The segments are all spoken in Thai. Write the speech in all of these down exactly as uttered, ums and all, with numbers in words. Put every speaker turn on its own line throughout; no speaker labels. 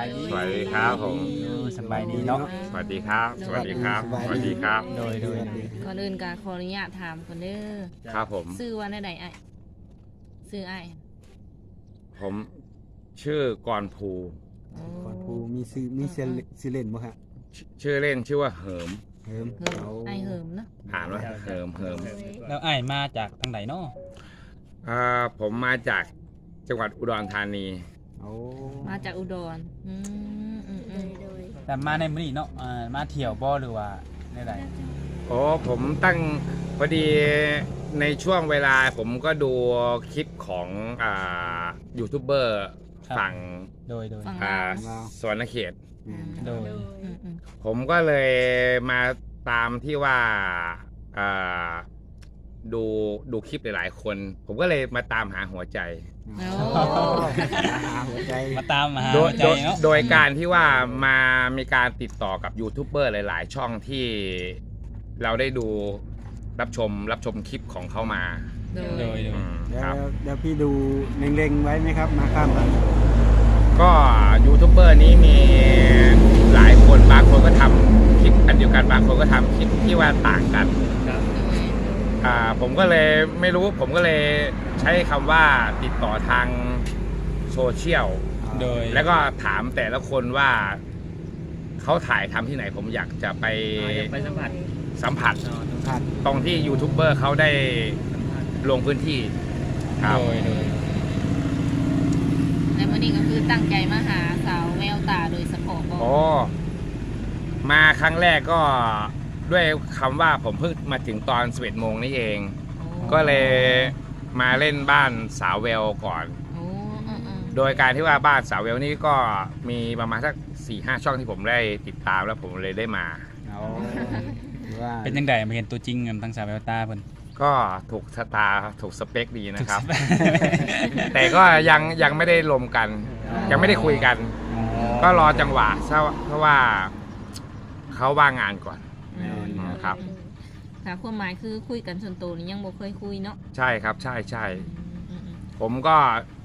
ายดี
สวัสดีครับผม
สบายดีเนาะ
สวัสดีครับ สวัสดีครับ สวัสดีครับ
โดยโดย
ก่อนอื่นก็ขออนุญาตถามคนเด้อ
ครับผม
ชื่อว่าได้ใดไอ้ชื่อไอ้
ผมชื่อกรภู
โอ้
ก่อนภูมีซื้อมีเซเลซื้อเล่นบ่ฮะ
ชื่อชื่อเล่นชื่อว่าเหิม
เฮิม
เหิมไอ้เหิมเนาะ
อ่านว่าเหิมเหิม
แล้วอ้ายมาจากทางไหนเนาะ
อ่าผมมาจากจังหวัดอุดรธานี
เอา
มาจากอุดรอืมอืมอืม
แต่มาในมื้อนี้เนาะอ่ามาเที่ยวบ่หรือว่าได้ใด
โอ้ผมตั้งพอดีในช่วงเวลาผมก็ดูคลิปของอ่ายูทูบเบอร์ฝั่ง
โดยโดย
ฝั่ง
อ่า
ลาว
สวนเขต
อืม
โดย
อืมอืม
ผมก็เลยมาตามที่ว่าอ่าดูดูคลิปหลายๆคน ผมก็เลยมาตามหาหัวใจ
โอ้
หาหัวใจ
มาตามมาหา
โด
หั
ยว
ใจ
โดย
เนาะ
โดยการที่ว่ามามีการติดต่อกับยูทูบเบอร์หลาย ๆ ช่องที่เราได้ดูรับชมรับชมคลิปของเขามา
โดย
โดยโดย
อืม
แล้
คว รับ
เดี๋ยวพี่ดูเล็งๆไว้ไหมครับ มาข้ามกัน
ก็ยูทูบเบอร์นี้มีหลายคนบางคนก็ทำคลิปอันเดียวกันบางคนก็ทำคลิปที่ว่าต่างกัน
โดย
อ่าผมก็เลยไม่รู้ผมก็เลยใช้คำว่าติดต่อทางโซเชียล
โดย
แล้วก็ถามแต่ละคนว่าเขาถ่ายทำที่ไหนผมอยากจะไป
ไปสัมผัส
สัมผัส
ผัด
ตรงที่ยูทูบเบอร์เขาได้ลงพื้นที่ครับ
โดยโดย
ในวันนี้ก็คือตั้งใจมาหาสาวแววตาโดยเฉพาะบ่
โอ้มาครั้งแรกก็ด้วยคำว่าผมเพิ่งมาถึงตอนสิบเอ็ดโมงนี่เอง
โอ้
ก็เลยมาเล่นบ้านสาวเวลก่อน
โอ้อืมอืม
โดยการที่ว่าบ้านสาวเวลนี่ก็มีประมาณสักสี่ห้าช่องที่ผมได้ติดตามแล้วผมเลยได้มา
เอาหรือว่า
เป็นจังไดมาเห็นตัวจริงกันทั้งสาวแววตาเพิ่น
ก็ถูกสตาถูกสเปคดีนะครับ แต่ก็ยังยังไม่ได้ลมกัน ยังไม่ได้คุยกัน ก็รอจังหวะเพราะว่าเขาว่างงานก่อน
อืม
ครับ
ค่ะความหมายคือคุยกันส่วนตัวนี่ยังบ่เคยคุยเนาะ
ใช่ครับใช่ใช่
อืมอืม
ผมก็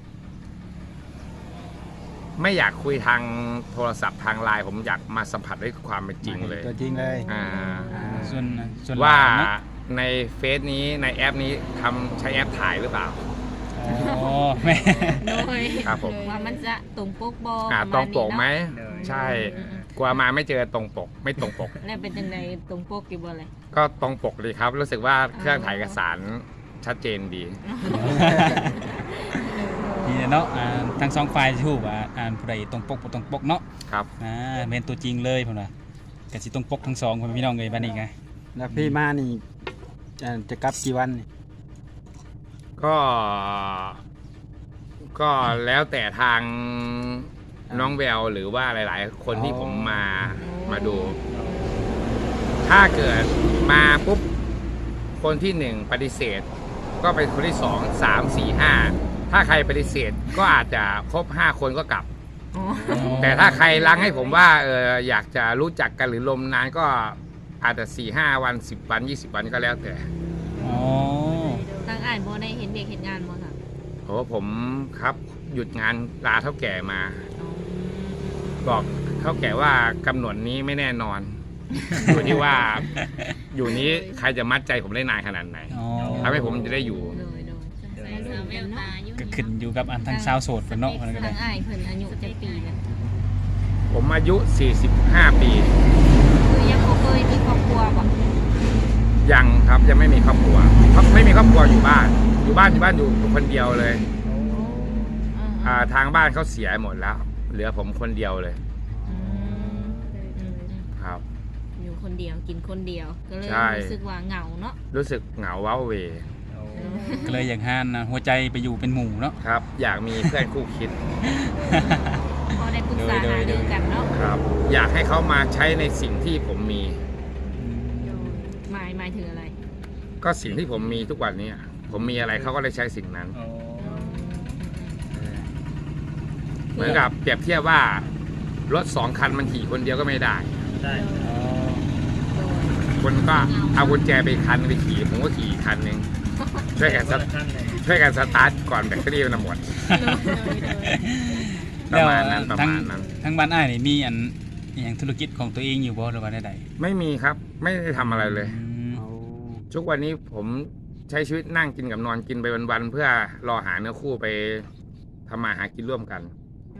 ไม่อยากคุยทางโทรศัพท์ทางไลน์ผมอยากมาสัมผัสด้วยความเป็นจริงเลย
ตัวจริงเลย
อ่า
ส่วนส่วน
ว่า
หลนเนะ
ในเฟซนี้ในแอปนี้ทำใช้แอปถ่ายหรือเปล่า
อ๋อแม่
โดย
ครับผม
ว่ามันจะตรงปกบ่
อ่า
ปะ
ตร
มาง ณ
ปกไหม
เนาะ
ใช่
อืมอืม
กลัวมาไม่เจอตรงปก ไม่ตรงปก
แล้วเป็นจังไดตรงปกอยู่บ่เลย
ก็ตรงปกเลยครับ รู้สึกว่าเครื่องถ่ายเอกสารชัดเจนดี
นี่แหละเนาะอ่าทั้งสองฝ่ายสิฮู้ว่าอ่านผู้ใดตรงปกบ่ตรงปกเนาะ
ครับ
อ่าเป็นตัวจริงเลยเพิ่นว่าก็สิตรงปกทั้งสองพ่อแม่พี่น้องเอ้ยบัดนี้ไง
แล้วพี่มานี่จะจะกลับกี่วันนี่
ก็ ก็แล้วแต่ทางน้องแววหรือว่าหลาย ๆ คนที่ผมมามาดู ถ้าเกิดมาปุ๊บคนที่หนึ่งปฏิเสธ ก็เป็นคนที่สองสามสี่ห้าถ้าใครปฏิเสธก็อาจจะครบห้าคนก็กลับ
อ๋อ
แต่ถ้าใครรังให้ผมว่าเอออยากจะรู้จักกันหรือลมนานก็อาจจะสี่ห้าวันสิบวันยี่สิบวันก็แล้วแต่
อ๋อ
ทางอ่านบ่ได้เห็นเด็กเห็นงานบ่ค่ะ
โอ้ผมครับหยุดงานลาเท่าแก่มา
อ๋อ
บอกเท่าแก่ว่ากำหนดนี้ไม่แน่นอน อยู่ที่ว่าอยู่นี้ใครจะมัดใจผมได้นานขนาดไหน
อ๋อ
ทำให้ผมจะได้อยู่
โดยโดยสาวแววตาอยู่
ก็ขึ้นอยู่กับอันทั้งสาวโสดเพิ่นเนาะเพิ่นก็ได้
ทางอ้ายเพิ่นอายุจักปีแล้ว
ผมอายุสี่สิบห้าปี
คือยังบ่เคยมีครอบครัวบ่
ยังครับยังไม่มีครอบครัวเพราะไม่มีครอบครัวอยู่บ้าน อยู่บ้านอยู่บ้านอยู่คนเดียวเลย
อ่า
อ่าทางบ้านเขาเสียหมดแล้ว เหลือผมคนเดียวเลย
อืมอืม
ครับ
อยู่คนเดียวกินคนเดียวก็เลย
ใช่
รู้สึกว่าเหงาเนาะ
รู้สึกเหงาว้าเหว
ก็เลยอยากหานะหัวใจไปอยู่เป็นหมู่เนาะ
ครับ อยากมีเพื่อนคู่คิด
พอได้ปรึกษา
โด
หาย
โดย
รือกันเนาะ
ครับ อยากให้เขามาใช้ในสิ่งที่ผมมี
หมายหมายถึงอะไร
ก็สิ่งที่ผมมีทุกวันนี้ผมมีอะไรเขาก็เลยใช้สิ่งนั้น เหมือนกับเปรียบเทียบว่ารถสองคันมันขี่คนเดียวก็ไม่ได้ คนก็เอากุญแจไปคันไปขี่ผมก็ขี่อีกคันหนึ่งช่วยกันสตช่วยกันสตาร์ทก่อนแบตเตอรี่มันหมดประมาณนั้นประ
ทั้ง
มาณนั้น
ทั้งบ้านอ้ายนี่มีอันอหย่างธุรกิจของตัวเองอยู่บ่หรือว่าใด
ไม่มีครับไม่ได้ทำอะไรเลย
ๆอืม
เอา
ทุกวันนี้ผมใช้ชีวิตนั่งกินกับนอนกินไปวันๆเพื่อรอหาเนื้อคู่ไปทำมาหากินร่วมกัน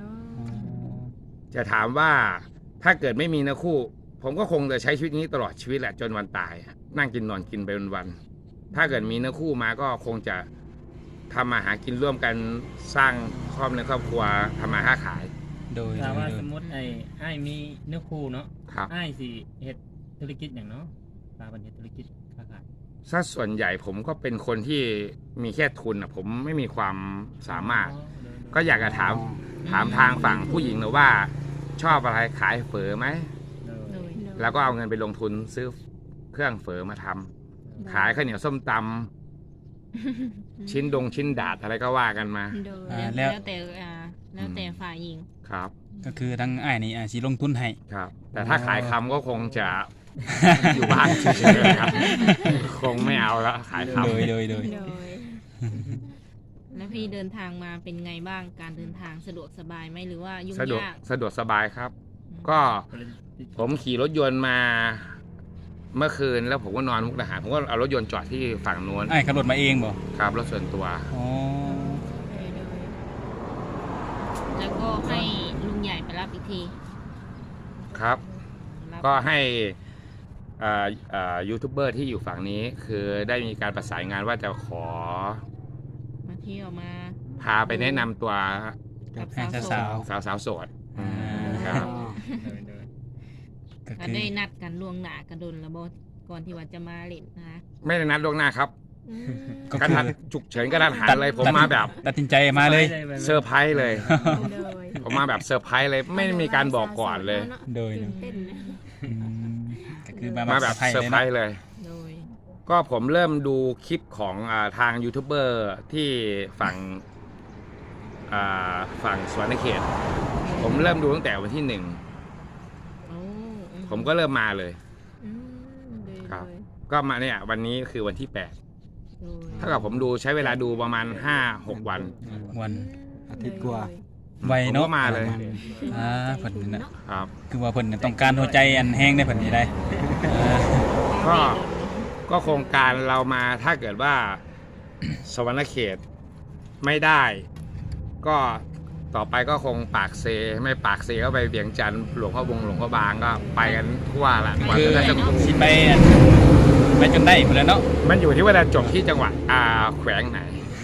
จะถามว่าถ้าเกิดไม่มีเนื้อคู่ ผมก็คงจะใช้ชีวิตนี้ตลอดชีวิตแหละจนวันตาย นั่งกินนอนกินไปวันๆถ้าเกิดมีเนื้อคู่มาก็คงจะทำมาหากินร่วมกันสร้างครอบในครอบครัวทำมาค้าขาย
โดย
ถ้าว่า
โดย
สมมติไอ้ไอ้ายมีเนื้อคู่เนาะ
ครับ
ไอ้ายสิเฮ็ดธุรกิจอย่างเนาะปลาบันเฮ็ดธุรกิจค้าขาย
ถ้าส่วนใหญ่ผมก็เป็นคนที่มีแค่ทุนอ่ะผมไม่มีความสามารถ ก็อยากจะถามถามทางฝั่งผู้หญิงนะว่าชอบอะไรขายเฝอไหม
เออ
โดย
แล้วก็เอาเงินไปลงทุนซื้อเครื่องเฝอมาทำขายข้าวเหนียวส้มตำชิ้นดงชิ้นดาดอะไรก็ว่ากันมา
โดย
อ่า
แล้ว
แล้ว
แล้วแต่อ่าแล้วแต่ฝ่ายหญิง
ครับ
ก็คือทั้งอ้ายนี่อาจสิลงทุนให้
ครับ แต่ถ้าขายคำก็คงจะ อยู่บ้านเฉยๆครับ คงไม่เอาแล้วขายค
โดยโดยโดย
โดย แล้วพี่เดินทางมาเป็นไงบ้างการเดินทางสะดวกสบายไหมหรือว่ายุ่ง
ำสะดวก
ยาก
สะดวกสบายครับ
อืม
ก็ผมขี่รถยนต์มาเมื่อคืนแล้วผมก็นอนมุกดาหารผมก็เอารถยนต์จอดที่ฝั่งนู้น
อ้ายขับรถมาเองบ่
ครับรถส่วนตัว
อ๋อ
โดยโดยแล้วก็ให้ลุงใหญ่ไปรับอีกที
ครับ
รับ
ก็ให้อ่าอ่ายูทูบเบอร์ที่อยู่ฝั่งนี้ คือได้มีการประสานงานว่าจะขอ
มาเที่ยวมา
พาไปแนะนำตัว
กับ
ให้
สาวโส
สา
ด
ว
สาวสาวๆโสด
ๆอ่า
ครับ
เออเออ
ก็
ก็
คือ
ได้นัดกันล่วงหน้ากันดนแล้วบ่ก่อนที่ว่าจะมาเล่นนะคะ
ไม่ได้นัดล่วงหน้าครับ
อืม
ก็
กระ
คือ
ทันฉุกเฉินกระทันหันเลยผมมาแบบ
ตัดสินใจมาเลย
เซอร์ไพรส์เลย
โดย
ผมมาแบบเซอร์ไพรส์เลยไม่ได้มีการบอกก่อนเลย
โดย
ตื่นเต้นนะ
อืมก็คือมา
มาแบบ
ไพรส์
เซอร์ไพร
เลย
ส์
เนาะ
เลย
โดย
ก็ผมเริ่มดูคลิปของอาทางยูทูบเบอร์ที่ฝั่งอ่าฝั่งสวนเขต ผมเริ่มดูตั้งแต่วันที่หนึ่ง
โอ้อื
ผมก็เริ่มมาเลย
อืมโดย
ครับ
โดย
ก็มาเนี่ยวันนี้คือวันที่แปด
โดย
เท่ากับผมดูใช้เวลาดูประมาณห้าหกวัน
วัน
อาทิตย์กว่า
ไว
ผม
เนาะ
ก็มาเลย
อ่าเพิ่นนี่นะ
ครับ
คือว่าเพิ่นน่ะต้องการหัวใจอันแห้งได้เพิ่นนี่ได้อ่า
ก็ ก็โครงการเรามาถ้าเกิดว่า สวรรณเขตไม่ได้ ก็ต่อไปก็คงปากเซไม่ปากเซก็ไปเวียงจันทร์หลวงพ่อบงหลวงพ่อบางก็ไปกันทั่วละกว่า
คือ
จะได้จะ
สิไปอันไปจนได้พุ่นแหล้วเนาะ
มันอยู่ที่ว่าจะจบที่จังหวัดอ่าแขวงไหน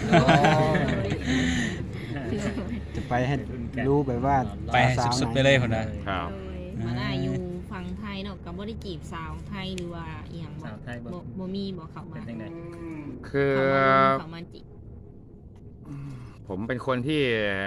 จะไปให้รู้แบบว่า
ไปให้
สาวๆ
สุดๆ
หน
ไปเลยพุ่นน่ะ
ครับ
โดยมาได้อยู่ฝั่งไทยเนาะกับบ่ได้จีบสาวไทยหรือว่าอีหยังบ่
สาวไทยบ่
บ่บ่มีบ่เข้า
เป็
มาน
จังได๋
คือ
เข้ามาเข้ามาจีบ
ผมเป็นคนที่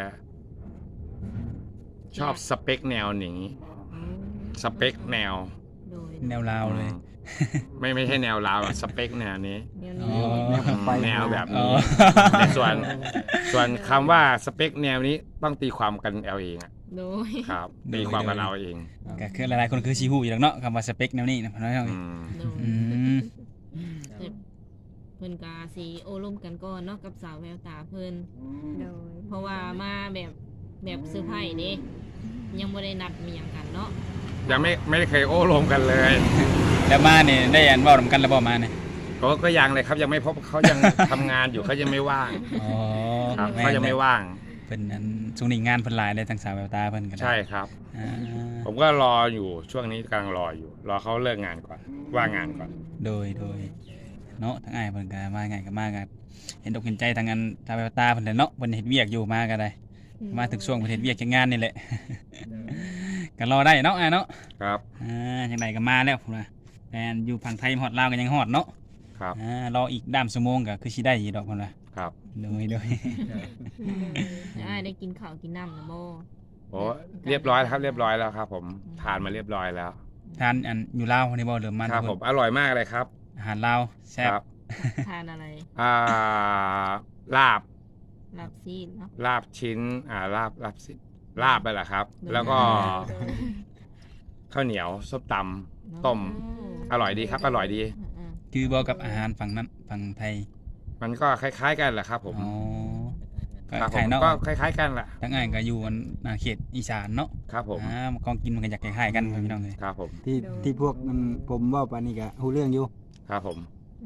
ชอบสเปคแนวนี้
อืม
สเปคแนว
โดย
แนวลาวเลย
ไม่ไม่ใช่แนวลาวอะสเปคแนวนี้
แนว
อ๋
นี้
อ
ไป
แนวแบบ
อ๋อ
ในส่วนส่วนคำว่าสเปคแนวนี้ต้องตีความกันเอาเองอะ
โดย
ครับ
โดย
ตีความกันเอาเอง
ก็คือหลายๆคนคือสิฮู้อยู่แล้วเนาะคำว่าสเปคแนวนี้นะพ่อน้อยเนาะ
อืม
โดย
อืม
เพิ่นก็สิโอ้ร่มกันก่อนเนาะกับสาวแววตาเพิ่น
โดย
เพราะว่ามาแบบแบบเซอร์ไพรส์เด้ยังบ่ได้นัดมีหยังกันเนาะ
ยังไม่ไม่ได้เคยโอ้ลมกันเลย
แล้วมาเนี่ยได้อันเว้านำกันแล้วบ่มาเนี่ย
ก็ก็ยังเลยครับยังไม่พบเขายัง ทำงานอยู่เขายังไม่ว่าง
อ๋อ
ครับ
แม่น
เขายังไม่ว่าง
เพิ่นอันช่วงนี้งานเพิ่นหลายเลยทางสาวแววตาเพิ่นก็ได้
ใช่ครับ
อ่า
ผมก็รออยู่ช่วงนี้กำลังรออยู่ รอเขาเลิกงานก่อนว่างงานก่อน
โดยโดยเนาะทางอ้ายเพิ่นก็มาไงก็มากันเห็นอกเห็นใจทางอันสาวแววตาเพิ่นแหละเนาะเพิ่นเฮ็ดเวียกอยู่มาก็ได้ มาถึงช่วงเพิ่นเฮ็ดเวียกจักงานนี่แหละ ก็รอได้เนาะอ้ายเนาะ
ครับ
อ่าจังไดก็มาแล้วพุ่นน่ะแฟนอยู่ฝั่งไทยฮอดลาวก็ยังฮอดเนาะ
ครับ
อ่ารออีกด้ามชั่วโมงก็คือสิได้อีกดอกพุ่นน่ะ
ครับ
โดยโดย
แล้วอ้ายได้กินข้าวกินน้ำแล้วบ่
โอ้เรียบร้อยแล้วครับเรียบร้อยแล้วครับ ผมทานมาเรียบร้อยแล้ว
ทานอันอยู่ลาวนี่บ่เริ่มมา
ครับ
ทุก
ผ
ค
ม
น
อร่อยมากเลยครับ
อาหารลาวแซ่บ
ครับ
ทานอะไร
อ่าลาบ
ลาบซีนเนาะ
ลาบชิ้นอ่าลาบลาบสิลาบไปแหละครับ แล้วก็ ข้าวเหนียวส้มตำต้ม อร่อยดีครับ อร่อยดี
อืม
คือบ่กับอาหารฝั่งนั้นฝั่งไทย
มันก็คล้าย ๆ กันแหละครับ ผม
อ๋อก็
ครับ
ค
ผ
ล้าย
ม
ๆเนาะ
ก็คล้ายๆกันแหละ
ทั้งอ้ายก็อยู่อันอ่าเขตอีสานเนาะ
ครับผม
อ่ากองกินมันก็อยากคล้ายๆกันพี่น้องเอ้ย
ครับผม
ที่ที่พวกมันผมเว้าปานนี้ก็ฮู้เรื่องอยู่
ครับผม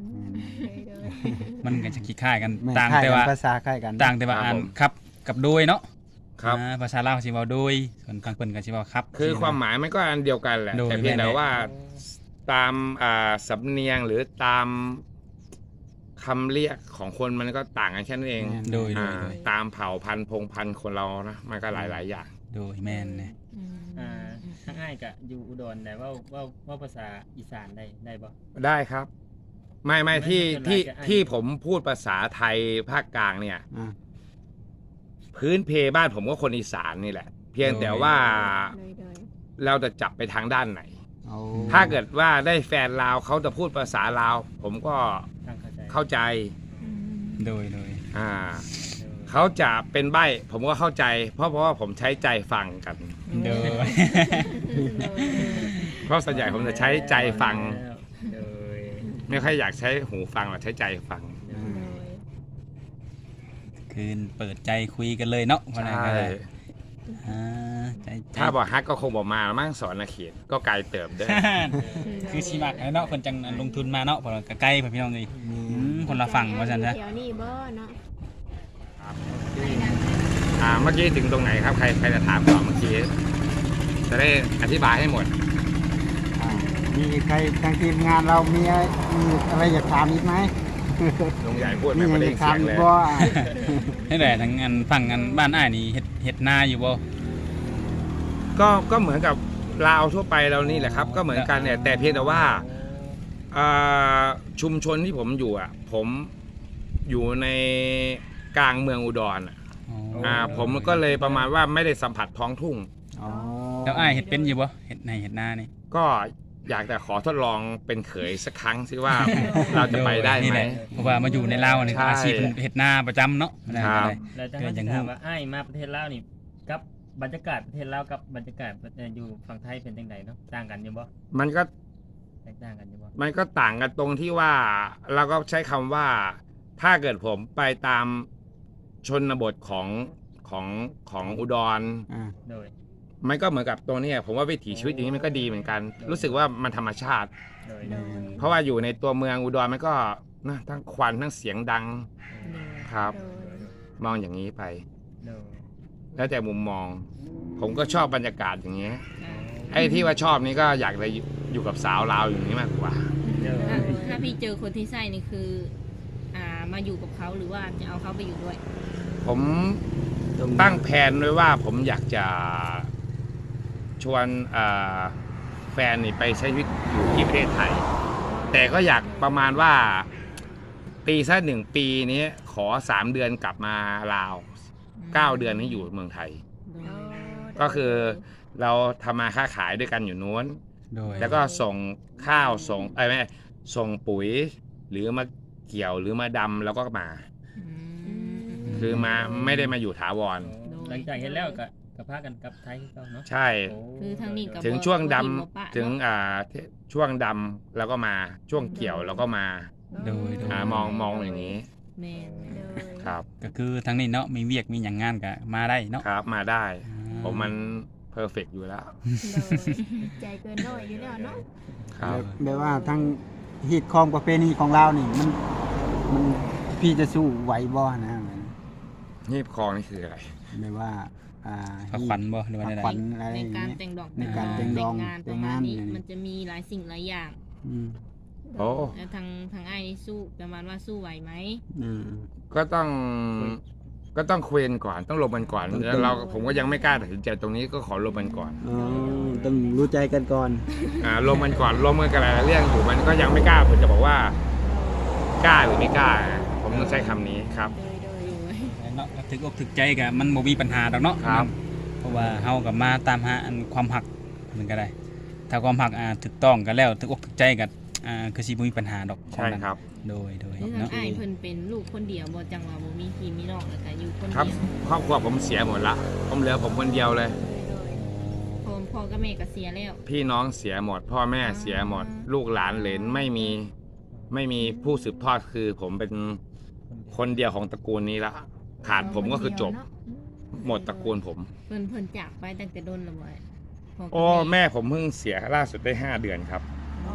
มันก็จะคล้ายๆกัน
แม่น
ต่าง
คล้าย
แต่
กัน
ว่า
ภาษาคล้ายกัน
ต่างแต่ว่าอ่านครับกับโดยเนาะ
ครับ
อ่าภาษาลาวสิเว้าโดยส่วนทางเพิ่นก็สิเว้าครับ
คือความหมายมันก็อันเดียวกันแหละ
โดย
แต่เพียงแต่
แม่นๆ
ว่าตามอ่าสำเนียงหรือตามคำเรียกของคนมันก็ต่างกันแค่นั้นเอง
แม่น
โดยโด
อ่าย
โดย
ตามเผ่าพันธุ์พงพันธุ์คนเรานะมันก็หลายๆอย่าง
โดยแม่นเนี่ย
อ่าทั้งอ้ายก็อยู่อุดรแต่ว่าว่าว่าภาษาอีสานได้ได้บ่
ได้ครับ ไม่ไม่
ไม่
ที่
เป็นไร
ที่
จะอ่าน
ที่ผมพูดภาษาไทยภาคกลางเนี่ย
อ่า
พื้นเพบ้านผมก็คนอีสานนี่แหละ เพียงแต่ว่าเราจะจับไปทางด้านไหน
เอา
ถ้าเกิดว่าได้แฟนลาวเขาจะพูดภาษาลาว ผมก็
ตั้งเข้าใจ
เข้าใจ
โดยโดย
อ่าเขาจะเป็นใบ้ผมก็เข้าใจ เพราะเพราะว่าผมใช้ใจฟังกัน
โดย
เพราะส่วนใหญ่ผมจะใช้ใจฟัง
โดย
ไม่ค่อยอยากใช้หูฟังหรอกใช้ใจฟัง
คือเปิดใจคุยกันเลยเนาะว่า
ใช
ไงก็
่
ได้อ่าใจใจ
ถ้าบอกฮักก็คงบอกมามั่งสอนนาเขตก็ไกลเติบเด้อ
คือสิมักเนาะเพิ่นจังลงทุนมาเนาะเพราะว่าก็ใกล้พี่น้องเลยอืมคนละฝั่งว่าซั่นซะ
แถวนี้บ่เนาะ
อ่าเมื่อกี้ถึงตรงไหนครับใครใครจะถามก่อนเมื่อกี้จะได้อธิบายให้หมด
อ่ามีใครทางทีมงานเรามีอะไรมีอะไรอยากถามอีกไหม
ลุงใหญ่พูด
มี
ไม่
อะไร
ได้
อยาก
เสี
ถาม
ยง
อี
เล
ก
ย
บ่
นี่แหละทั้งอันฝั่งอันบ้านอ้ายนี่เฮ็ดเฮ็ดนาอยู่บ่
ก็ก็เหมือนกับลาวทั่วไปเรานี่แหละครับ ก็เหมือนกันเนี่ยแต่เพียงแต่ว่าอ่าชุมชนที่ผมอยู่อ่ะ ผมอยู่ในกลางเมืองอุดรอ่ะ
อ๋อ
อ่าผมก็เลยประมาณว่าไม่ได้สัมผัสท้องทุ่ง
อ๋อ
แล้วอ้ายเฮ็ดเป็นอยู่บ่เฮ็ดในเฮ็ดนานี่
ก็อยากแต่ขอทดลองเป็นเขยสักครั้งสิว่า เราจะไปได้
นี่
ไห
แห
ม
ละเพราะว่ามาอยู่ในลาวนี่
ใช่
อาชีพเพิ่นเฮ็ดนาประจำเนาะว่าได้
ครับ
ก็ได้
แล้วจะ
เกิดอย่าง
ถาม
งู
ว่าอ้ายมาประเทศลาวนี่กับบรรยากาศประเทศลาวกับบรรยากาศประเทศอยู่ฝั่งไทยเป็นจังไดเนาะต่างกันอยู่บ่
มันก็
แตกต่างกันอยู่บ่
มันก็ต่างกันตรงที่ว่าเราก็ใช้คำว่าถ้าเกิดผมไปตามชนบทของของของอุดร
อ่า
โดย
มันก็เหมือนกับตัวเนี้ยผมว่าวิถีชีวิตอย่างนี้มันก็ดีเหมือนกัน รู้สึกว่ามันธรรมชาติ
โดย
โดย
เพราะว่าอยู่ในตัวเมืองอุดรมันก็นะทั้งควันทั้งเสียงดังครับ
โดย
มองอย่างนี้ไป
โดย
แล้วแต่มุมมอง ผมก็ชอบบรรยากาศอย่างเงี้ยไอ้ที่ว่าชอบนี่ก็อยากจะอยู่กับสาวลาวอย่างนี้มากกว่า
โดย
ถ้าถ้าพี่เจอคนที่ใช่นี่คือ อ่ามาอยู่กับเขาหรือว่าจะเอาเขาไปอยู่ด้วย
ผมตั้งแผนไว้ว่าผมอยากจะชวนอ่าแฟนนี่ไปใช้ชีวิตอยู่ที่ประเทศไทย แต่ก็อยากประมาณว่าปีสักหนึ่งปีนี้ขอสามเดือนกลับมาลาวเก้าเดือนนี้อยู่เมืองไทย ก็คือเราทำมาค้าขายด้วยกันอยู่นู้น
โดย
แล้วก็ส่งข้าวส่งไอ้ยไม่ส่งปุ๋ย หรือมาเกี่ยวหรือมาดำแล้วก็มา คือมาไม่ได้มาอยู่ถาวร
หลังจากเห็นแล้วก็ก็พากันกลับไทยคือเก่าเนาะ
ใช่
โ
คือทางนี้กับ
ถึงช่วงดำ
บ่บ่ปะ
ถึง
เนาะ
อ่าช่วงดำแล้วก็มาช่วงเกี่ยวแล้วก็มา
โดยโดย
อ่ามองมองอย่างนี้
แม่น
โดย
ครับ
ก็คือทางนี้เนาะมีเวียกมีหยังงานก็มาได้เนาะ
ครับมาได้
อ่า
ผมมันเพอร์เฟกอยู่แล้ว
โดยใจเกินร้อยอยู่แล้วเนาะ
ครับ
แบบว่าทั้งฮีตของประเพณีของเรานี่มันมันพี่จะสู้ไหวบ่นะ
นี่คลองนี่คืออะไร
แบบว่าอ่า
พักขวัญบ่หรือว่า
พัก
ใด
ขวัญอะไร
ใน
อย่าง
การ
เงี้ย
แต่งดอก
ในการแต่งดอก
งานประมาณนี้มันจะมีหลายสิ่งหลายอย่าง
อืม
โอ้
แล้วทางทางไอ้ายนี่สู้ประมาณว่าสู้ไหวไหม
อืม
ก็ต้องก็ต้องคุยกันก่อนต้องลงกันก่อน
ต้อง
แล้วเราผมก็ยังไม่กล้าตัดสินใจตรงนี้ก็ขอลงกันก่อน
อ๋อต้องรู้ใจกันก่อน
อ่าลงกันก่อนลงกันกันหลายๆเรื่องอยู่มันก็ยังไม่กล้าผมจะบอกว่ากล้าหรือไม่กล้า ผมต้องใช้คำนี้ครับ
โดยโดย
ๆเนาะถึกอกถึกใจก็มันบ่มีปัญหาดอกเนาะ
ครับ
เพราะว่าเฮาก็มาตามหาอันความหักมันก็ได้ ถ้าความหักอ่าถูกต้องกันแล้วถึกอกถึกใจก็อ่าคือสิบ่มีปัญหาดอก
ใช่ครับ
โดยโดย
คือทาง
เนาะ
ไอ้ายเพิ่นเป็นลูกคนเดียวบ่จังว่าบ่มีพี่มีน้องแล้วก็อยู่คน
ครับ
เดียว
ครอบครัวผมเสียหมดละผมเหลือผมคนเดียวเลย
พ่อพ่อกับแม่ก็เสียแล้ว
พี่น้องเสียหมด พ่อแม่เสียหมด ลูกหลานเหลนไม่มีไม่มีผู้สืบทอดคือผมเป็นคนเดียวของตระกูลนี้ละ
โ
ขาดผมก็คือจบ หมดตระกูลผม
เพิ่นเพิ่นจากไปตั้งแต่โดนและบ่พ่กับ
โอ้แม่ผมเพิ่งเสียล่าสุดได้ห้าเดือนครับ
อ๋อ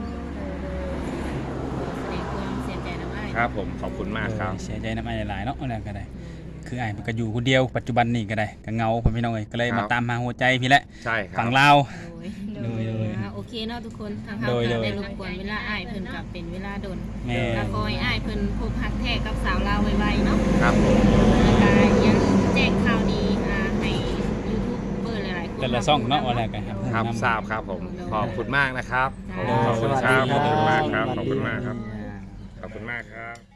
แสดงความเสียใจนำอ้าย
ครับผมขอบคุณมากครับ
เสียใจน้ำอ้ายหลายๆเนาะแล้วก็ได้คืออ้ายมันก็อยู่คนเดียวปัจจุบันนี่ก็ได้ก็เหงาพ่อพี่น้องเอ้ยก็เลย
ครับ
มาตามหาหัวใจพี่แหละ
ใช่ครับ
ฝั่งลาว
โดย
โดยโดย
อ่าโอเคเนาะทุกคนทางเฮา
โดย
ก็
โดย
ได้รบกวนเวลาอ้ายเพิ่นกับเป็นเวลาโดน
แม่
ก็ขอให้อ้ายเพิ่นพบฮักแท้กับสาวลาวไวๆเนาะ
ครับผม
แล้วก็ยังแจ้งข่าวดีอ่าให้ยูทูบเบอร์หลายๆคน
แต่ละซ่องเนาะว่าแล้วกันครับ
ครับ
นำ
ทราบครับผมขอบคุณมากนะครับ
จ้า
ขอบคุณครับ
สวัสดี
ขอบคุณมากครับ
สวัสดี
ขอบคุณมากครับ
อ่า
ขอบคุณมากครับ